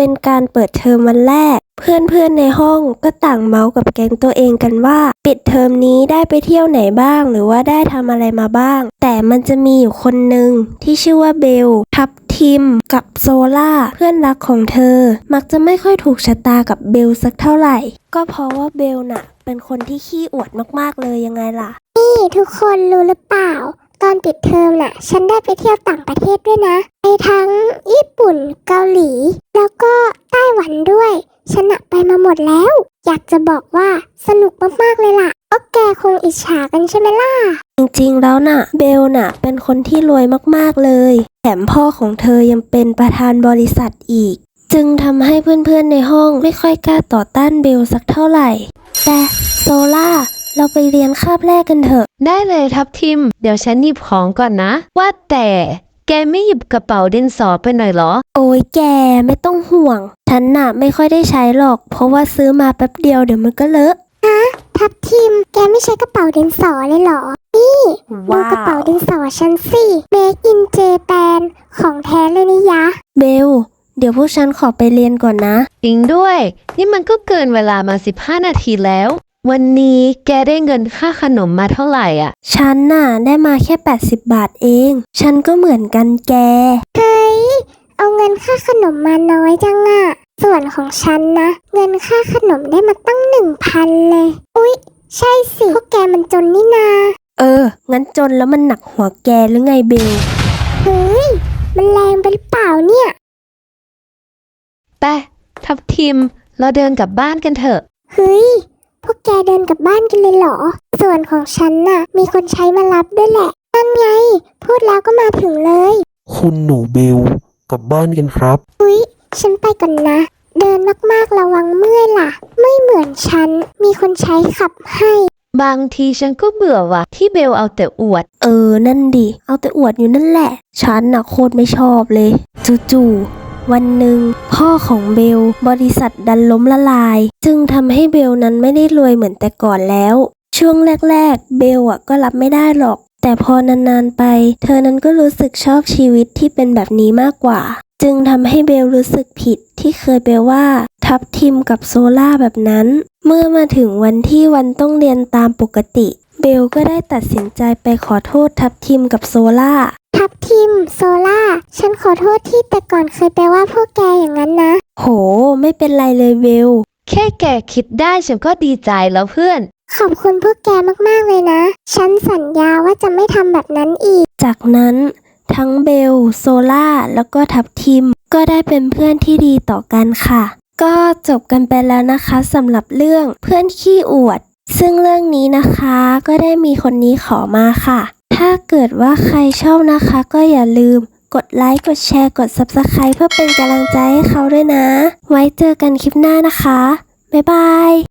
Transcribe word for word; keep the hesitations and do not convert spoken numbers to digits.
เป็นการเปิดเทอมวันแรกเพื่อนๆในห้องก็ต่างเมาส์กับแก๊งตัวเองกันว่าปิดเทอมนี้ได้ไปเที่ยวไหนบ้างหรือว่าได้ทำอะไรมาบ้างแต่มันจะมีอยู่คนหนึ่งที่ชื่อว่าเบลทับทิมกับโซล่าเพื่อนรักของเธอมักจะไม่ค่อยถูกชะตากับเบลสักเท่าไหร่ก็เพราะว่าเบลน่ะเป็นคนที่ขี้อวดมากๆเลยยังไงล่ะนี่ทุกคนรู้หรือเปล่าตอนปิดเทอมน่ะฉันได้ไปเที่ยวต่างประเทศด้วยนะไปทั้งญี่ปุ่นเกาหลีแล้วก็ไต้หวันด้วยฉันน่ะไปมาหมดแล้วอยากจะบอกว่าสนุกมากๆเลยล่ะก็แกคงอิจฉากันใช่ไหมล่ะจริงๆแล้วน่ะเบลน่ะเป็นคนที่รวยมากๆเลยแถมพ่อของเธอยังเป็นประธานบริษัทอีกจึงทำให้เพื่อนๆในห้องไม่ค่อยกล้าต่อต้านเบลสักเท่าไหร่แต่โซล่าเราไปเรียนคาบแรกกันเถอะได้เลยทับทิมเดี๋ยวฉันหยิบของก่อนนะว่าแต่แกไม่หยิบกระเป๋าดินสอไปหน่อยเหรอโอ้ยแกไม่ต้องห่วงฉันน่ะไม่ค่อยได้ใช้หรอกเพราะว่าซื้อมาแป๊บเดียวเดี๋ยวมันก็เลอะฮะทับทิมแกไม่ใช้กระเป๋าดินสอเลยเหรอนี่ดูกระเป๋าดินสอฉันสิ Made in Japan ของแท้เลยนี่ยะเบลเดี๋ยวพวกฉันขอไปเรียนก่อนนะจริงด้วยนี่มันก็เกินเวลามาสิบห้านาทีแล้ววันนี้แกได้เงินค่าขนมมาเท่าไหร่อ่ะฉันน่ะได้มาแค่แปดสิบบาทเองฉันก็เหมือนกันแกเฮ้ยเอาเงินค่าขนมมาน้อยจังอ่ะส่วนของฉันนะเงินค่าขนมได้มาตั้งหนึ่งพันเลยอุ๊ยใช่สิพวกแกมันจนนี่นาเอองั้นจนแล้วมันหนักหัวแกหรือไงเบลเฮ้ยมันแรงไปหรือเปล่าเนี่ยไปทับทิมเราเดินกลับบ้านกันเถอะเฮ้ยพวกแกเดินกลับบ้านกันเลยเหรอส่วนของฉันน่ะมีคนใช้มารับด้วยแหละนั่นไงพูดแล้วก็มาถึงเลยคุณหนูเบลกลับบ้านกันครับอุ๊ยฉันไปก่อนนะเดินมากๆระวังเมื่อยล่ะไม่เหมือนฉันมีคนใช้ขับให้บางทีฉันก็เบื่อว่ะที่เบลเอาแต่อวดเออนั่นดิเอาแต่อวดอยู่นั่นแหละฉันน่ะโคตรไม่ชอบเลยจู่ๆวันหนึ่งพ่อของเบลบริษัทดันล้มละลายจึงทำให้เบลนั้นไม่ได้รวยเหมือนแต่ก่อนแล้วช่วงแรกๆเบลอ่ะก็รับไม่ได้หรอกแต่พอนานๆไปเธอนั้นก็รู้สึกชอบชีวิตที่เป็นแบบนี้มากกว่าจึงทำให้เบลรู้สึกผิดที่เคยไปว่าทับทิมกับโซล่าแบบนั้นเมื่อมาถึงวันที่วันต้องเรียนตามปกติเบลก็ได้ตัดสินใจไปขอโทษทับทิมกับโซล่าทับทิมโซล่าฉันขอโทษที่แต่ก่อนเคยไปว่าพวกแกอย่างนั้นนะโหไม่เป็นไรเลยเบลแค่แกคิดได้ฉันก็ดีใจแล้วเพื่อนขอบคุณพวกแกมากๆเลยนะฉันสัญญาว่าจะไม่ทำแบบนั้นอีกจากนั้นทั้งเบลโซล่าแล้วก็ทับทิมก็ได้เป็นเพื่อนที่ดีต่อกันค่ะก็จบกันไปแล้วนะคะสำหรับเรื่องเพื่อนขี้อวดซึ่งเรื่องนี้นะคะก็ได้มีคนนี้ขอมาค่ะถ้าเกิดว่าใครชอบนะคะก็อย่าลืมกดไลค์กดแชร์กด ซับสไครบ์ เพื่อเป็นกำลังใจให้เขาด้วยนะไว้เจอกันคลิปหน้านะคะบ๊ายบาย